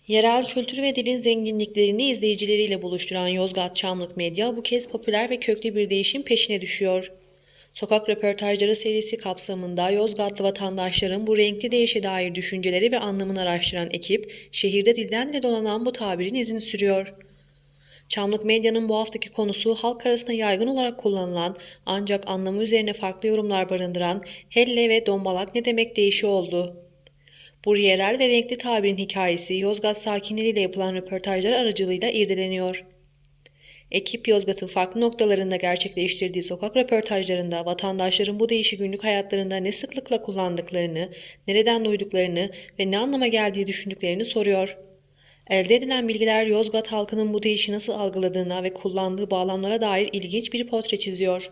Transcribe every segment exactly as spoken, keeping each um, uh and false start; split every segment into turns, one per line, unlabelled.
Yerel kültür ve dilin zenginliklerini izleyicileriyle buluşturan Yozgat Çamlık Medya bu kez popüler ve köklü bir değişim peşine düşüyor. Sokak röportajları serisi kapsamında Yozgatlı vatandaşların bu renkli değişe dair düşünceleri ve anlamını araştıran ekip, şehirde dilden dile dolanan bu tabirin izini sürüyor. Çamlık Medya'nın bu haftaki konusu halk arasında yaygın olarak kullanılan ancak anlamı üzerine farklı yorumlar barındıran helle ve dombalak ne demek değişi oldu. Bu yerel ve renkli tabirin hikayesi Yozgat sakinleriyle yapılan röportajlar aracılığıyla irdeleniyor. Ekip Yozgat'ın farklı noktalarında gerçekleştirdiği sokak röportajlarında vatandaşların bu deyişi günlük hayatlarında ne sıklıkla kullandıklarını, nereden duyduklarını ve ne anlama geldiği düşündüklerini soruyor. Elde edilen bilgiler Yozgat halkının bu deyişi nasıl algıladığına ve kullandığı bağlamlara dair ilginç bir portre çiziyor.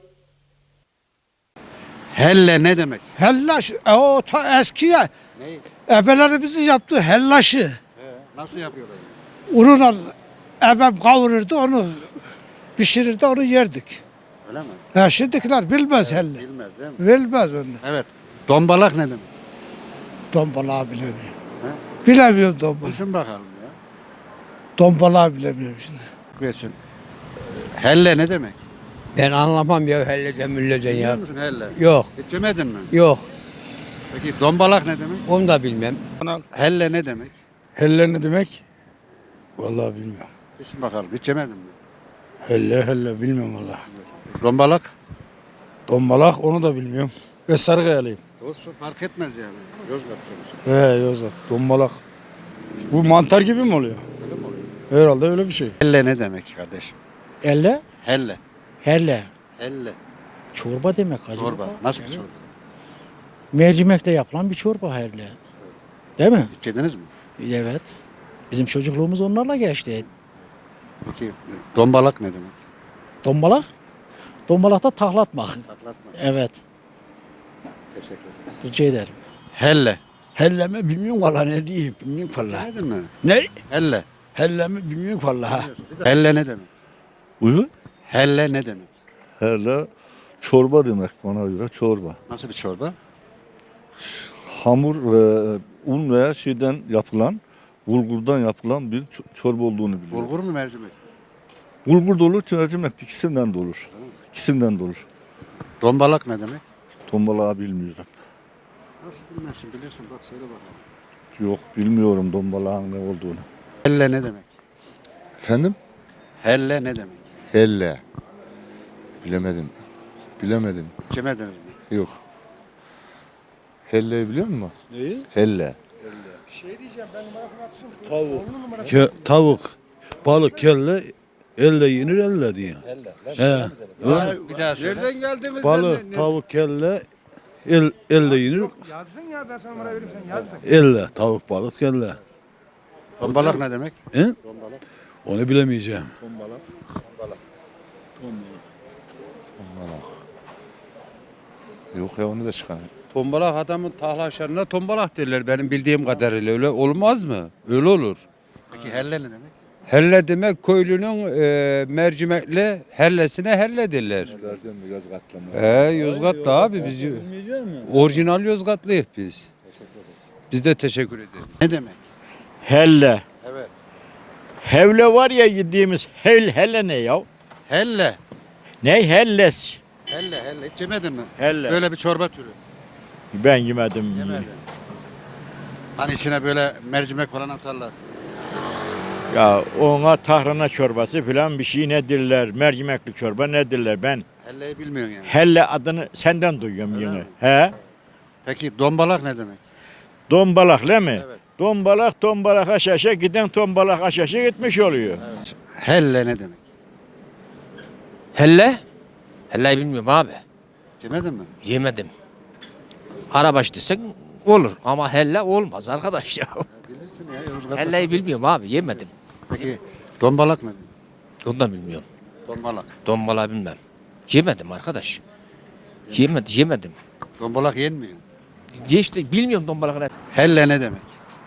Helle ne demek?
Hellaş, e, o ta eskiye
Ne?
ebelerimizi yaptığı hellaşı.
He, nasıl yapıyorlar?
Ununla ebem kavururdu onu pişirirdi onu yerdik.
Öyle mi?
Ha, şimdikiler bilmez helle.
Bilmez değil mi?
Bilmez onu.
Evet. Dombalak ne demek?
Dombalağı bilemiyor.
He?
Bilemiyorum dombalağı.
Düşün bakalım ya.
Dombalağı bilemiyorum şimdi.
Geçin. Helle ne demek?
Ben anlamam ya helleden mülleden
Biliyor
ya.
musun helle?
Yok,
Hiç yemedin mi?
yok.
Peki dombalak ne demek?
Onu da bilmem.
Helle ne demek?
Helle ne demek? Vallahi bilmiyorum.
Düşün bakalım. Hiç yemedin mi?
Helle helle bilmiyorum vallahi.
Dombalak?
Dombalak onu da bilmiyorum. Ve Sarıkayalıyım.
Olsun fark etmez yani. Yozgat sonuçta.
He Yozgat. Dombalak. Bu mantar gibi mi oluyor?
Öyle mi oluyor?
Herhalde öyle bir şey.
Helle ne demek kardeşim?
Elle,
Helle.
helle.
Helle.
Çorba demek acaba.
Çorba. Nasıl bir çorba?
Mercimekle yapılan bir çorba helle. Değil mi?
Hiç yediniz mi?
Evet. Bizim çocukluğumuz onlarla geçti.
Peki dombalak ne demek?
Dombalak? Dombalak da taklatmak.
Saklatma.
Evet.
Teşekkür ederiz.
Rica ederim.
Helle.
Helle mi bilmiyorum vallahi ne diyeyim bilmiyorum vallahi.
Yemedin mi?
Ne?
Helle.
Helle mi bilmiyorum vallahi.
Helle ne demek?
Buyur.
Helle ne demek?
Hele çorba demek bana göre çorba.
Nasıl bir çorba?
Hamur ve un veya şeyden yapılan, bulgurdan yapılan bir ç- çorba olduğunu biliyorum.
Bulgur mu mercimek?
Bulgur da olur, mercimek de ikisinden de olur. İkisinden de olur.
Dombalak ne demek?
Dombalağı bilmiyorum.
Nasıl bilmezsin bilirsin bak söyle bakalım.
Yok bilmiyorum dombalağın ne olduğunu.
Helle ne demek?
Efendim?
Helle ne demek?
Helle. Bilemedim. Bilemedim.
Hiç yemediniz mi?
Yok. Helle'yi biliyor musun?
Neyi?
Helle.
Ke, tavuk, balık, kelle, elle yenir elle diyor. He.
Bir daha söyle.
Nereden geldiğimizden
Balık, tavuk, kelle, el, elle yenir.
Yazdın ya ben sana numara vereyim sen yazdın.
Elle, tavuk, balık, kelle.
Dombalak ne demek?
He?
Dombalak.
Onu bilemeyeceğim.
Yok ya onu da çıkar.
Tombalak adamın tahlaşlarına tombalak derler benim bildiğim kadarıyla öyle olmaz mı? Öyle olur.
Peki helle ne demek?
Helle demek köylünün e, mercimekli hellesine helle derler.
Gördün mü Yozgat'la mı?
He Yozgatlı abi biz orijinal Yozgatlıyız biz. Biz de teşekkür ederiz.
Ne demek?
Helle.
Evet.
Hevle var ya yediğimiz hel hele ne ya?
Helle.
Ne helles?
Helle helle. Hiç yemedin mi?
Helle.
Böyle bir çorba türü.
Ben yemedim.
Yemedin. Hani içine böyle mercimek falan atarlar.
Ya ona tahrana çorbası falan bir şey nedirler? Mercimekli çorba nedirler? Ben
Helleyi bilmiyorsun yani.
helle adını senden duyuyorum
Öyle
yine.
mi?
He?
Peki dombalak ne demek?
Dombalak değil mi?
Evet.
Dombalak dombalak aşaşa giden tombalak aşaşa gitmiş oluyor.
Helle ne demek?
Helle? Helleyi bilmiyorum abi.
Hiç yemedin mi?
Yemedim. Karabaş desek olur ama helle olmaz arkadaş ya.
Bilirsin ya Yozgat'ta.
Helleyi bilmiyorum abi yemedim.
Peki dombalak ne demek?
Onu da bilmiyorum.
Dombalak.
Dombala bilmem. Yemedim arkadaş. Yemedim, yemedim.
Dombalak yenmiyor.
Diye işte bilmiyorum dombalak ne.
Helle ne demek?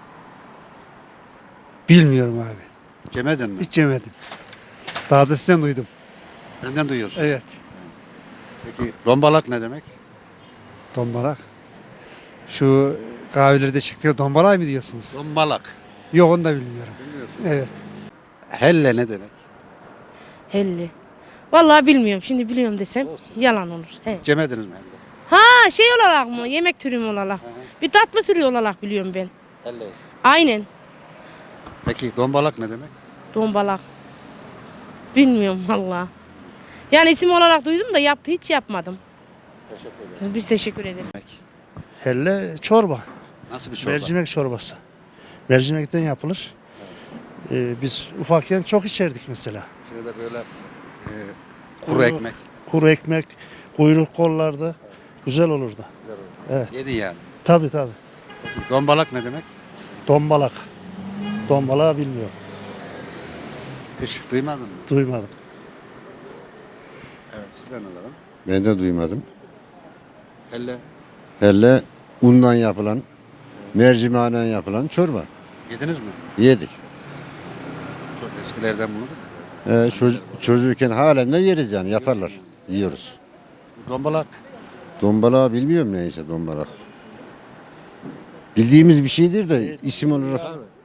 Bilmiyorum abi.
Hiç yemedin mi?
Hiç yemedim. Daha da sizden duydum.
Benden duyuyorsun.
Evet.
Peki dombalak ne demek?
Dombalak. Şu kahvelerde çıktığı dombalay mı diyorsunuz?
Dombalak.
Yok onu da bilmiyorum.
Bilmiyorsun.
Evet.
Helle ne demek?
Helli. Vallahi bilmiyorum. Şimdi biliyorum desem yalan olur. He.
Hiç yemediniz mi helle?
Ha şey olarak mı? Yemek türü mü olarak? Bir tatlı türü olarak biliyorum ben.
Helle.
Aynen.
Peki dombalak ne demek?
Dombalak. Bilmiyorum vallahi. Yani isim olarak duydum da yaptı hiç yapmadım.
Teşekkür ederim.
Biz teşekkür ederiz.
Helle çorba.
Nasıl bir çorba?
Mercimek çorbası. Mercimekten yapılır. Ee, biz ufakken çok içerdik mesela.
İçine de böyle e, kuru ekmek.
Kuru ekmek, kuyruk kollarda güzel olurdu. Evet.
Yedin yani.
Tabii tabii.
Dombalak ne demek?
Dombalak. Dombalağı bilmiyorum.
Hiç duymadın mı?
Duymadım.
Evet, sizden alalım.
Ben de duymadım.
Helle
Helle undan yapılan, mercimeğinden yapılan çorba.
yediniz mi?
Yedik.
Çok eskilerden bunu da.
Ee, çocuk, çocukken halen de yeriz yani yaparlar. Yiyoruz.
Dombalak.
Dombalağı bilmiyorum neyse dombalak. Bildiğimiz bir şeydir de isim olarak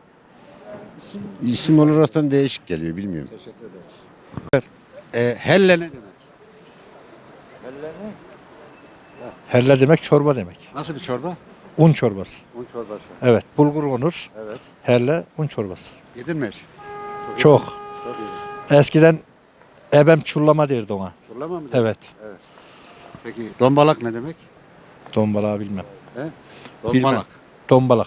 isim olaraktan değişik geliyor bilmiyorum.
Teşekkür ederiz. Evet. E, helle ne demek?
Helle demek çorba demek.
Nasıl bir çorba?
Un çorbası.
Un çorbası.
Evet, bulgur onur.
Evet.
Helle un çorbası.
Yedin mi hiç?
Çok.
Çok iyi.
Eskiden ebem çullama derdi ona.
Çorlama mı?
Evet.
Peki dombalak ne demek?
Dombalağı bilmem.
He?
Bilmem.
Dombalak.
Dombalak.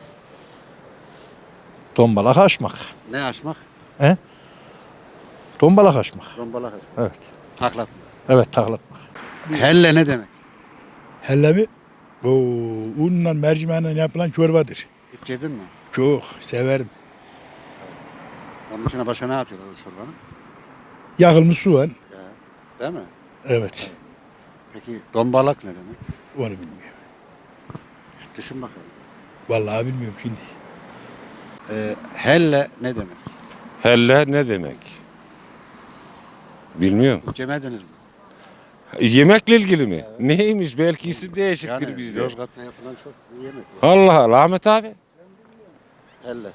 Dombalak açmak.
Ne açmak?
Dombalak açmak.
Dombalak açmak.
Evet.
Taklatmak.
Evet, taklatmak.
Helle ne demek?
Helle mi? Oo, unla mercimeğinden yapılan çorbadır.
Hiç yedin mi?
Çok severim.
Onun içine başka ne atıyorlar o çorbanın?
Yakılmış soğan.
Değil mi?
Evet.
Peki dombalak ne demek?
Onu bilmiyorum.
Hiç düşün bakalım.
Vallahi bilmiyorum şimdi.
Ee, helle ne demek?
Helle ne demek? Bilmiyorum.
Hiç yemediniz mi?
Yemekle ilgili mi? Neymiş? Belki isim değişiktir
Yani
bizde.
Yozgat'ta yapılan çok bir yemek. var.
Allah Allah Ahmet abi.
Helle.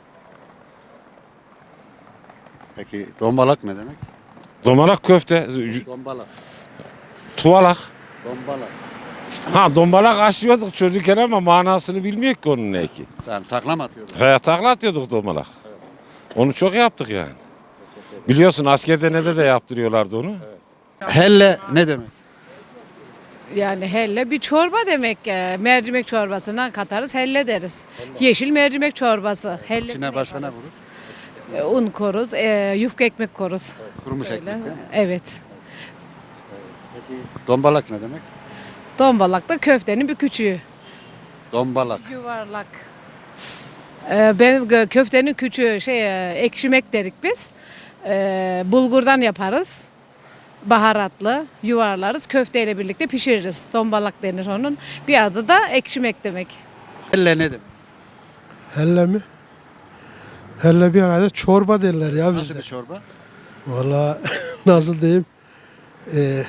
Peki dombalak ne demek?
Domalak köfte,
Dombalak.
tuvalak.
Dombalak.
Ha dombalak açıyorduk çocukken ama manasını bilmiyor ki onun ne ki.
Tamam takla mı atıyordun?
Kaya takla atıyorduk domalak. Onu çok yaptık yani. Biliyorsun askerde ne de yaptırıyorlardı onu.
Helle ne demek?
Yani helle bir çorba demek. Mercimek çorbasından katarız helle deriz. Yeşil mercimek çorbası. Helle
İçine başka ne vurur?
un koruz, yufka ekmek koruz.
Kurumuş ekmek değil mi?
Evet.
Peki dombalak ne demek?
Dombalak da köftenin bir küçüğü.
Dombalak.
Yuvarlak. Ee, ben gö- köftenin küçüğü şey e, ekşimek derik biz. Ee, bulgurdan yaparız. Baharatlı yuvarlarız. Köfteyle birlikte pişiririz. Dombalak denir onun. Bir adı da ekşimek demek.
Helle ne demek?
Helle mi? Helle bir arada çorba derler ya
Nasıl
bizde.
bir çorba?
Valla nasıl diyeyim? Ee,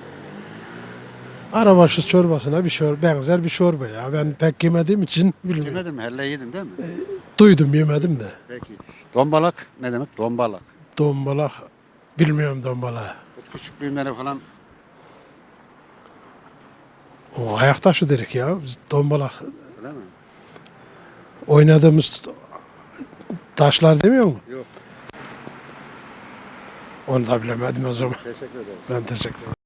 arabaşı çorbasına bir çorba, benzer bir çorba ya. Ben pek yemediğim için bilmiyorum.
Yemedin mi? Helle yedin değil mi?
Duydum yemedim de.
Peki. Dombalak ne demek? Dombalak.
Dombalak bilmiyorum dombalağı.
Küçüklüğünden falan
O ayak taşı dedik ya. Biz dombalak
değil mi?
oynadığımız taşlar demiyor mu?
Yok.
Onu da bilemedim o zaman.
Teşekkür ederim.
Ben teşekkür ederim.